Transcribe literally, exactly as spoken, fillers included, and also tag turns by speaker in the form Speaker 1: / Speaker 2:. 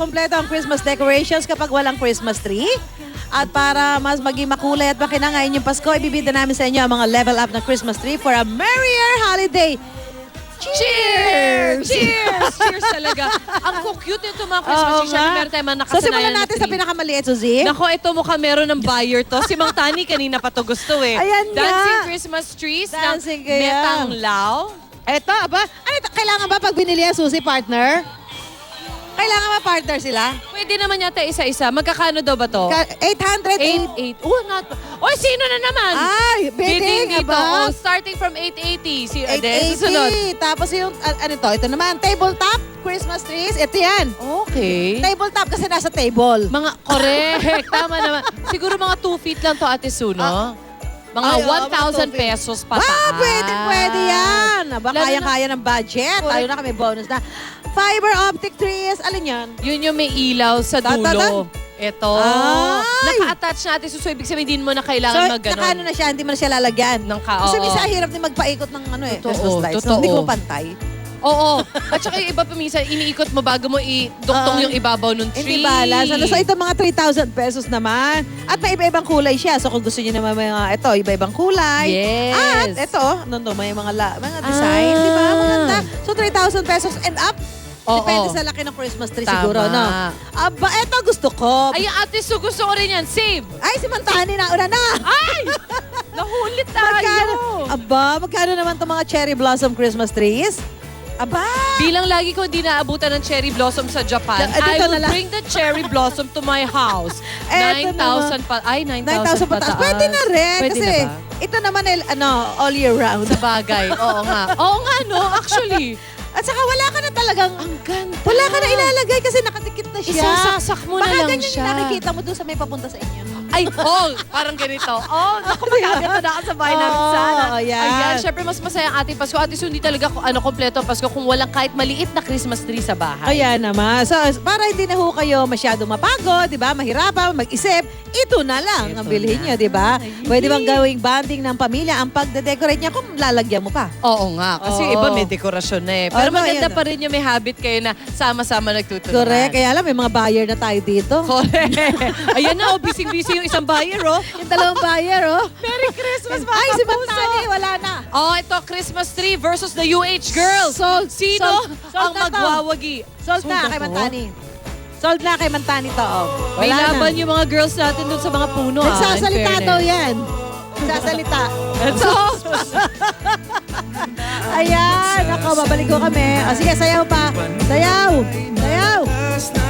Speaker 1: kumpleto ang Christmas decorations kapag walang Christmas tree. At para mas maging makulay at makinangay yung Pasko, ibibida namin sa inyo ang mga level up na Christmas tree for a merrier holiday.
Speaker 2: Cheers! Cheers! Cheers talaga. Ang cute nito mga Christmas
Speaker 1: Oo
Speaker 2: tree. Siyempre,
Speaker 1: nga.
Speaker 2: meron tayong mga
Speaker 1: So
Speaker 2: nakasanayan
Speaker 1: simulan
Speaker 2: na
Speaker 1: natin sa
Speaker 2: tree.
Speaker 1: pinakamaliit, Suzy.
Speaker 2: Nako, ito mukha meron ng buyer to. Si Mang Tani kanina pa to gusto eh.
Speaker 1: Ayan nga.
Speaker 2: Dancing Christmas trees
Speaker 1: Dancing
Speaker 2: ng
Speaker 1: kaya.
Speaker 2: Metang Lao.
Speaker 1: Eto, aba, ano ito? Kailangan ba pag binili yan, Suzy, partner? Kailangan ba partner sila?
Speaker 2: Pwede naman yata isa-isa. Magkakano daw ba to?
Speaker 1: Ka- eight hundred
Speaker 2: eight eight. Oh, not. Oy, sino na naman?
Speaker 1: Ay, bidding,
Speaker 2: dito.
Speaker 1: aba?
Speaker 2: Oh, starting from eight eighty. Si
Speaker 1: eight
Speaker 2: Ade, susunod.
Speaker 1: eighty. Tapos yung, a- ano to? Ito naman, tabletop Christmas trees. Ito yan.
Speaker 2: Okay.
Speaker 1: Tabletop kasi nasa table.
Speaker 2: Mga, correct. Tama naman. Siguro mga two feet lang to, Ate Su, no?
Speaker 1: Ah.
Speaker 2: Mga
Speaker 1: Ay, oo,
Speaker 2: one thousand
Speaker 1: mga two feet.
Speaker 2: pesos pataas.
Speaker 1: Ah, pwede, pwede yan. Aba,
Speaker 2: Lalo
Speaker 1: kaya-kaya ng budget.
Speaker 2: Correct.
Speaker 1: Tayo na kami bonus na. Fiber optic trees. Alin yan?
Speaker 2: Yun yung may ilaw sa
Speaker 1: Ta- ta-
Speaker 2: dulo. Ito.
Speaker 1: Ay!
Speaker 2: Naka-attach natin. So, so, ibig sabihin, din mo na
Speaker 1: So,
Speaker 2: kailangan mag
Speaker 1: naka ano na siya, hindi mo na siya lalagyan.
Speaker 2: Ng ka,
Speaker 1: Kasi
Speaker 2: oo.
Speaker 1: minsan hirap din magpaikot ng ano eh,
Speaker 2: Totoo,
Speaker 1: Christmas lights. So,
Speaker 2: totoo.
Speaker 1: hindi ko pantay.
Speaker 2: Oo. At saka yung iba pa minsan, iniikot mo bago mo i-duktong
Speaker 1: Oo.
Speaker 2: yung ibabaw ng
Speaker 1: Hindi
Speaker 2: tree.
Speaker 1: balance. Ano, so ito mga three thousand pesos naman. At may iba-ibang kulay siya. So kung gusto niyo naman mga ito, iba-ibang kulay.
Speaker 2: Yes.
Speaker 1: At ito, ano to, may mga, la, mga design,
Speaker 2: Ah.
Speaker 1: di ba? Maganda. So three thousand pesos and up.
Speaker 2: Oo.
Speaker 1: Depende sa laki ng Christmas tree
Speaker 2: Tama.
Speaker 1: siguro, no? Aba, ito gusto ko.
Speaker 2: Ay, Ate Su, gusto ko rin yan. Save!
Speaker 1: Ay, si Mantani na, una na.
Speaker 2: Ay! Nahulit tayo!
Speaker 1: Magkano? Aba, magkano naman itong mga cherry blossom Christmas trees? Aba!
Speaker 2: Bilang lagi ko hindi naabutan ng cherry blossom sa Japan,
Speaker 1: Da- dito
Speaker 2: I will
Speaker 1: na lang.
Speaker 2: bring the cherry blossom to my house.
Speaker 1: Eto
Speaker 2: nine thousand pa. Ay, nine
Speaker 1: nine
Speaker 2: thousand
Speaker 1: thousand pataas. Pwede na rin.
Speaker 2: Pwede
Speaker 1: kasi
Speaker 2: na ba?
Speaker 1: ito naman, ay, ano, all year round.
Speaker 2: Sa bagay. Oo nga. Oo nga, no? Actually.
Speaker 1: At saka wala ka na talagang,
Speaker 2: Ang ganda.
Speaker 1: wala ka na ilalagay kasi nakadikit na siya.
Speaker 2: Isasaksak mo na
Speaker 1: Baka
Speaker 2: lang
Speaker 1: ganyan
Speaker 2: siya.
Speaker 1: yung nakikita mo doon sa may papunta sa inyo.
Speaker 2: Ay, oh, parang ganito. Oh, naku, magkaganda na ako sa bahay namin
Speaker 1: Oo,
Speaker 2: sana.
Speaker 1: ayan.
Speaker 2: Ayan, syempre mas masaya ang ating Pasko. Ate Su, hindi talaga ano, kompleto ang Pasko kung walang kahit maliit na Christmas tree sa bahay.
Speaker 1: Ayan naman. So, para hindi na ho kayo masyado mapagod, di ba? Mahirapan, mag-isip, ito na lang
Speaker 2: Ito
Speaker 1: ang bilhin
Speaker 2: na.
Speaker 1: nyo, di ba?
Speaker 2: Ay.
Speaker 1: Pwede bang gawing banding ng pamilya ang pagde-decorate niya kung lalagyan mo pa?
Speaker 2: Oo nga, kasi
Speaker 1: Oo.
Speaker 2: iba may dekorasyon na eh. Pero
Speaker 1: Ano,
Speaker 2: maganda
Speaker 1: ayan.
Speaker 2: pa rin yung may habit kayo na sama-sama nagtutulungan.
Speaker 1: Correct. Kaya alam, may mga buyer na tayo dito.
Speaker 2: Correct. Ayan na, oh, busy-busy yung isang buyer, oh.
Speaker 1: Yung dalawang buyer, oh.
Speaker 2: Merry Christmas, mga
Speaker 1: Ay, si
Speaker 2: kapuso.
Speaker 1: Mantani, wala na.
Speaker 2: Oh, ito, Christmas tree versus the U H girls.
Speaker 1: Sold.
Speaker 2: Sino
Speaker 1: Sold. Sold
Speaker 2: ang
Speaker 1: na to.
Speaker 2: magwawagi?
Speaker 1: Sold na
Speaker 2: Sold
Speaker 1: kay
Speaker 2: ako?
Speaker 1: Mantani. Sold na kay Mantani to, oh.
Speaker 2: May
Speaker 1: Wala
Speaker 2: laban
Speaker 1: na.
Speaker 2: yung mga girls natin dun sa mga puno, ah. in
Speaker 1: Nagsasalita
Speaker 2: fairness.
Speaker 1: daw yan. Nagsasalita.
Speaker 2: So,
Speaker 1: Ayan. Ako, babalik ko kami. O sige, sayaw pa. Sayaw. Sayaw.